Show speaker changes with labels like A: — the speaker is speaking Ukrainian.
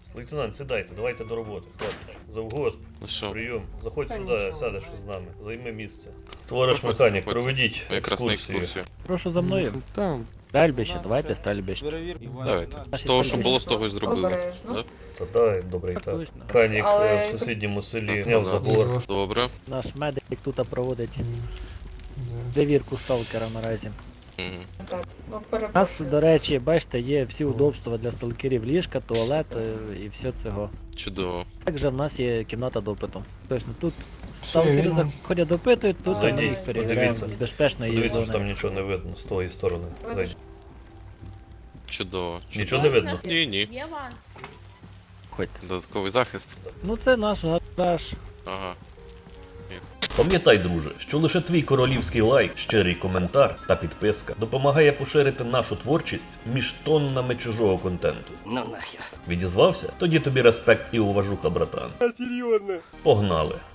A: Лейтенант, сідайте, давайте до роботи. Хлопці. Завгосп,
B: Ну що,
A: прийом. Заходь
C: Та
A: сюди,
C: нічого.
A: сядеш з нами. Займи місце. Товариш механік,
B: Проходьте.
A: проведіть
B: якраз на
A: екскурсію.
B: екскурсію.
D: Прошу за мною.
E: Там.
D: Стрельбище, давайте стрельбище.
B: Давайте. З того, що було, з того і зробили.
C: Обережно.
B: Да?
A: Та дай, добре і
D: Так
A: так.
D: точно.
A: Механік
C: Але-
A: в сусідньому селі
B: Так,
A: зняв
B: да.
A: забор.
B: Добре.
D: Наш медик тут проводить перевірку сталкера наразі.
B: Мгм.
C: Так, ну
D: У нас,
C: перепрошую.
D: до речі, бачите, є всі удобства для сталкерів, ліжка, туалет і все цього.
B: Чудово.
D: Також в нас є кімната допиту. Тобто тут сталкери заходять допитують, тут
C: Зайдіть,
D: ми їх перевіряємо
A: подивіться.
D: з безпечної
A: Дивіться, що там
D: зони.
A: нічого не видно з тої сторони. Зайдіть.
B: Чудово.
A: Нічого не видно.
B: Ні.
F: Є ван.
D: Ходьте.
B: Додатковий захист.
D: Ну це наш гараж.
B: Ага.
A: Пам'ятай, друже, що лише твій королівський лайк, щирий коментар та підписка допомагає поширити нашу творчість між тоннами чужого контенту.
G: Ну нахер.
A: Відізвався? Тоді тобі респект і уважуха, братан. Погнали!